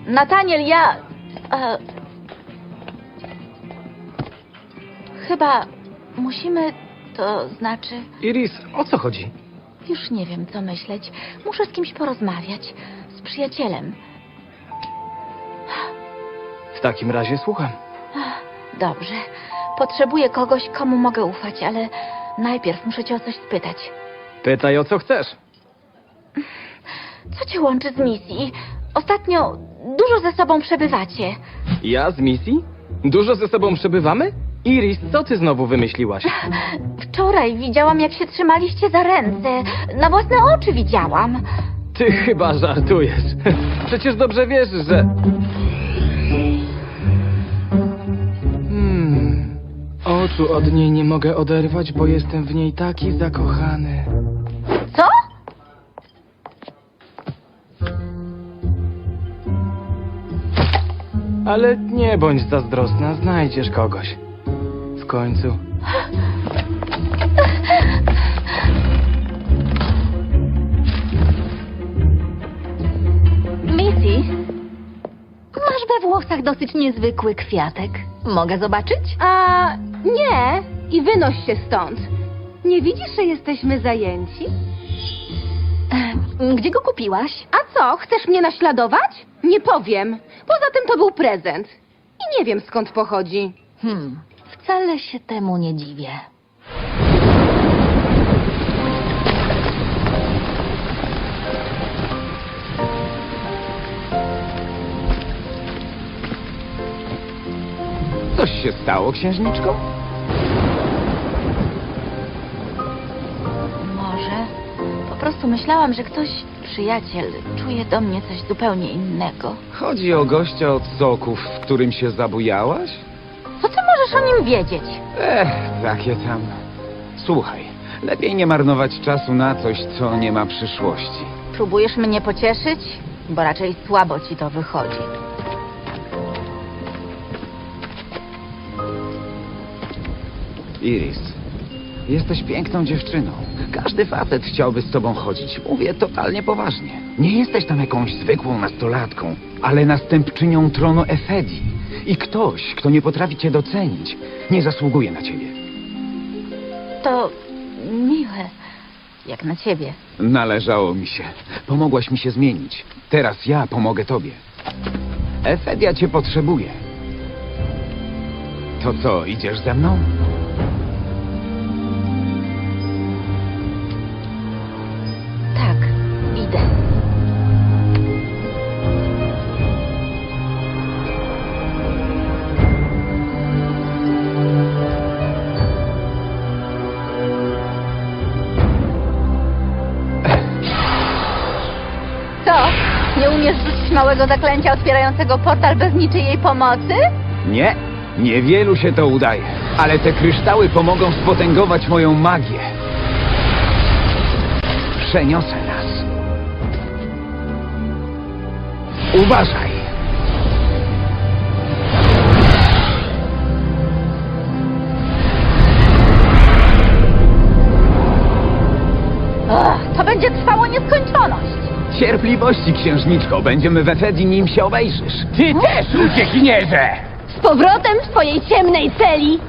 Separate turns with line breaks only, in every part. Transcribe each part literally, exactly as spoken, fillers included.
Nataniel, ja... E, chyba musimy, to znaczy...
Iris, o co chodzi?
Już nie wiem, co myśleć. Muszę z kimś porozmawiać. Z przyjacielem.
W takim razie słucham.
Dobrze. Potrzebuję kogoś, komu mogę ufać, ale najpierw muszę cię o coś spytać.
Pytaj, o co chcesz.
Co cię łączy z misji? Ostatnio dużo ze sobą przebywacie.
Ja z misji? Dużo ze sobą przebywamy? Iris, co ty znowu wymyśliłaś?
Wczoraj widziałam, jak się trzymaliście za ręce. Na własne oczy widziałam.
Ty chyba żartujesz. Przecież dobrze wiesz, że... Hmm... Oczu od niej nie mogę oderwać, bo jestem w niej taki zakochany.
Co?
Ale nie bądź zazdrosna, znajdziesz kogoś. W końcu.
Missy?
Masz we włosach dosyć niezwykły kwiatek. Mogę zobaczyć?
A nie, i wynoś się stąd. Nie widzisz, że jesteśmy zajęci?
Gdzie go kupiłaś?
A co, chcesz mnie naśladować? Nie powiem. Poza tym to był prezent. I nie wiem, skąd pochodzi.
Hmm, wcale się temu nie dziwię.
Coś się stało, księżniczko?
Może. Po prostu myślałam, że ktoś, przyjaciel, czuje do mnie coś zupełnie innego.
Chodzi o gościa od soków, w którym się zabujałaś?
Co ty możesz o nim wiedzieć?
Ech, takie tam. Słuchaj, lepiej nie marnować czasu na coś, co nie ma przyszłości.
Próbujesz mnie pocieszyć? Bo raczej słabo ci to wychodzi.
Iris, jesteś piękną dziewczyną. Każdy facet chciałby z tobą chodzić. Mówię totalnie poważnie. Nie jesteś tam jakąś zwykłą nastolatką, ale następczynią tronu Efedii. I ktoś, kto nie potrafi cię docenić, nie zasługuje na ciebie.
To miłe. Jak na ciebie.
Należało mi się. Pomogłaś mi się zmienić. Teraz ja pomogę tobie. Efedia cię potrzebuje. To co, idziesz ze mną?
Tak, idę. Co? Nie umiesz rzucić małego zaklęcia otwierającego portal bez niczyjej pomocy?
Nie, niewielu się to udaje. Ale te kryształy pomogą spotęgować moją magię. Przeniosę nas. Uważaj!
Ach, to będzie trwało nieskończoność.
Cierpliwości, księżniczko. Będziemy w Efedii, nim się obejrzysz. Ty też, uciekinierze!
Z powrotem w twojej ciemnej celi!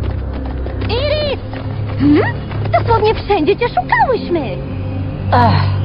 Iris!
Hmm? Dosłownie wszędzie cię szukałyśmy!
Ach,